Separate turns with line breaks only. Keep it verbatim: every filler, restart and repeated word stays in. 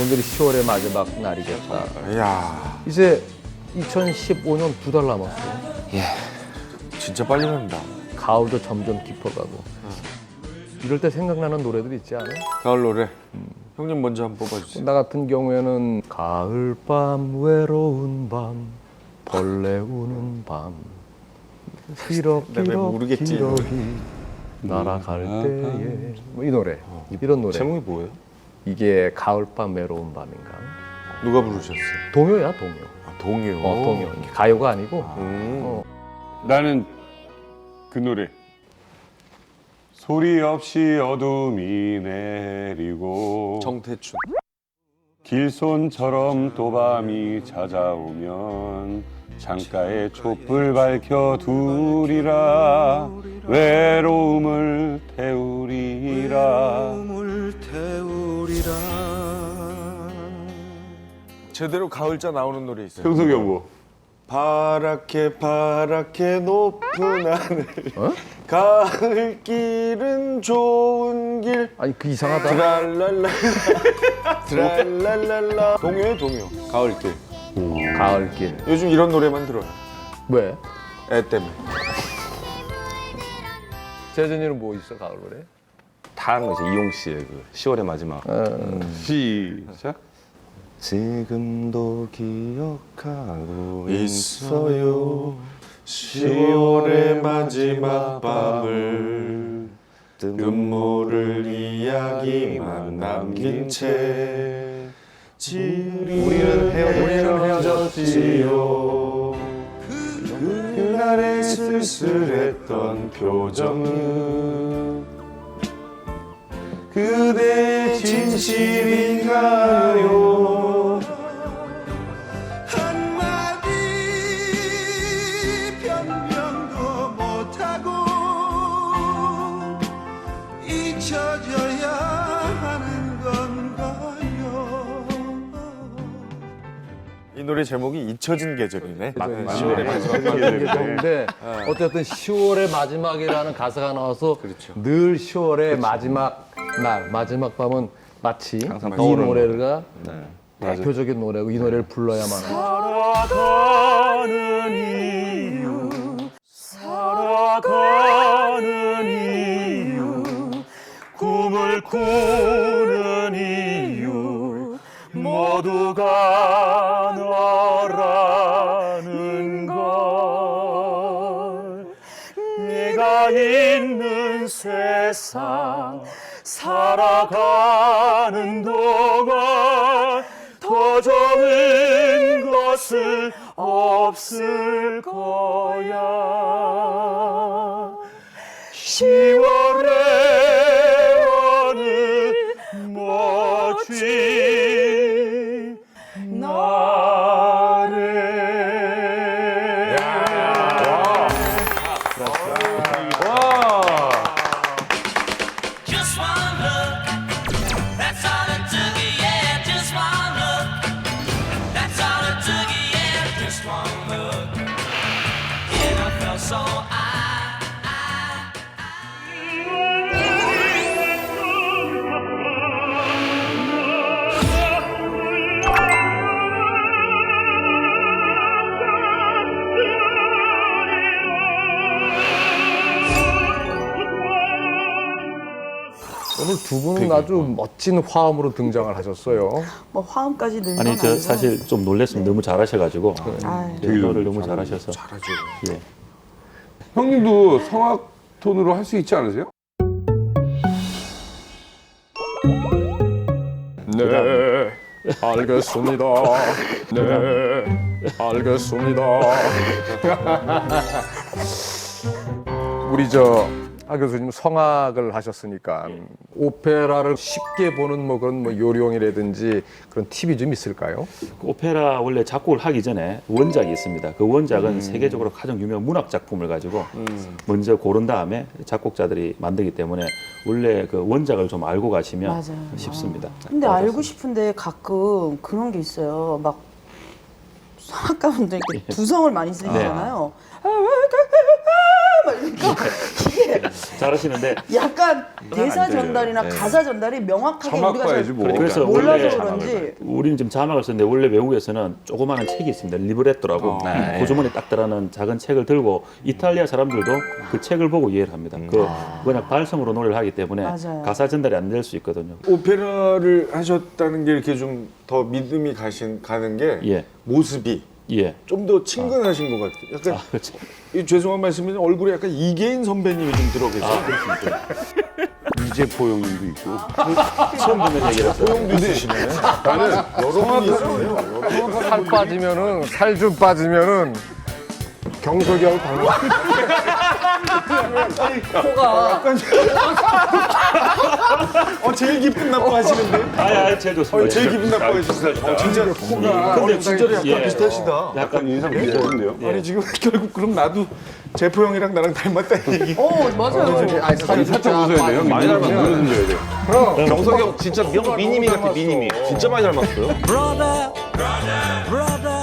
오늘이 시월의 마지막 날이겠다.
이야,
이제 이천십오 년 두 달 남았어요.
예, 진짜 빨리 간다.
가을도 점점 깊어가고. 이럴 때 생각나는 노래들 있지 않아요?
가을 노래. 음. 형님 먼저 한번 뽑아주세요.
나 같은 경우에는 가을밤 외로운 밤 벌레 우는 밤
나 왜
기럭기럭
모르겠지,
기러기 날아갈 때에 뭐 이 노래 이런 노래
제목이 뭐예요?
이게 가을밤 외로운 밤인가
누가 부르셨어요?
동요야 동요
아, 동요.
어 동요 이게 가요가 아니고
음.
어.
나는 그 노래 소리 없이 어둠이 내리고
정태춘.
길손처럼 또 밤이 찾아오면 창가에 촛불 밝혀 두리라 외로움을 태우리라.
제대로 가을자 나오는 노래 있어요.
형석이 형 뭐?
파랗게 파랗게 높은 하늘.
어?
가을길은 좋은 길.
아니 그 이상하다
트랄랄라 트랄랄랄라. 동요에 동요. 가을길.
가을길
요즘 이런 노래만 들어요.
왜?
애 때문에.
재준이는 뭐 있어 가을 노래?
다른 거죠. 이용 씨의 그 시월의 마지막.
시작.
지금도 기억하고
있어요. 시월의 마지막 밤을 눈물을 이야기만 남긴 채 우리는 헤어졌지요. 그날의 쓸쓸했던 표정은 그대의 진실인가요?
한마디 변명도 못하고 잊혀져야 하는 건가요?
이 노래 제목이 잊혀진 계절이네.
맞네.
시월의 마지막 밤.
근데 어쨌든 시월의 마지막이라는 가사가 나와서
그렇죠.
늘 시월의 마지막 날 마지막 밤은 마치 이
항상 떠오르는
노래가
네.
대표적인 노래고 이 노래를 불러야만 해요.
살아가는 이유 살아가는 이유 꿈을 꾸는 이유 모두가 너라는 걸 네가 있는 세상 살아가는 동안 더 좋은 것은 없을 거야. 시월의 어느 멋진 날에.
Just one look, that's all it took, yeah. Just one look, that's all it took, yeah. Just one look, and I felt so I, I,
오늘 두 분은 아주 멋진 화음으로 등장을 하셨어요.
뭐 화음까지 넣는
아니
건
저
아니고.
사실 좀 놀랬으면 너무 잘하셔가지고
아유.
노래를 너무 잘하셔서
잘하죠.
예.
형님도 성악 톤으로 할 수 있지 않으세요?
네, 알겠습니다. 네, 알겠습니다. 우리 저 하 교수님 성악을 하셨으니까 오페라를 쉽게 보는 뭐 그런 뭐 요령이라든지 그런 팁이 좀 있을까요?
그 오페라 원래 작곡을 하기 전에 원작이 있습니다. 그 원작은 세계적으로 가장 유명한 문학 작품을 가지고 먼저 고른 다음에 작곡자들이 만들기 때문에 원래 그 원작을 좀 알고 가시면
맞아요.
쉽습니다.
근데 알고 싶은데 가끔 그런 게 있어요. 막 성악가분들 이렇게 두성을 많이 쓰시잖아요. 막 이러니까 이게 이게
잘하시는데
약간 대사
안 들려요.
전달이나
네.
가사 전달이 명확하게 우리가 잘
자막봐야지 뭐.
그래서
몰라서
원래
그런지
우리는 지금 자막을 쓰는데 원래 외국에서는 조그마한 책이 있습니다. 리브레토라고
네.
고주머니 딱 들어가는 작은 책을 들고 이탈리아 사람들도 그 책을 보고 이해를 합니다. 그 그냥 발성으로 노래를 하기 때문에
맞아요.
가사 전달이 안 될 수 있거든요.
오페라를 하셨다는 게 이렇게 좀 더 믿음이 가신 가는 게
예.
모습이
예.
좀 더 친근하신 것 같아요. 약간
아, 그렇죠.
이 죄송한 말씀인데 얼굴에 약간 이계인 선배님이 좀 들어 계세요.
이재포 형님도 있고.
처음 듣는 얘기를 했어요.
소용도 있으시네. 나는 여러 분이 있어요.
살 빠지면은 살 좀 빠지면은 경석이하고 닮아. 코가
어, 제일 기분 나빠하시는데?
아니, 아니, 제일 좋습니다.
어, 제일 기분 나빠하시는데? 어, 진짜
코가
근데 진짜로 약간
예.
비슷하시다.
약간
인상 비슷한데요?
아니 지금 결국 그럼 나도 제포 형이랑 나랑 닮았다는 얘기.
어 맞아요.
아니 살이
살짝 웃어야 돼요. 많이 닮았어. 노래 들려야 돼.
그럼
경석이 형 진짜 명 미니미 같아 미니미. 진짜 많이 닮았어요.
Brother, brother,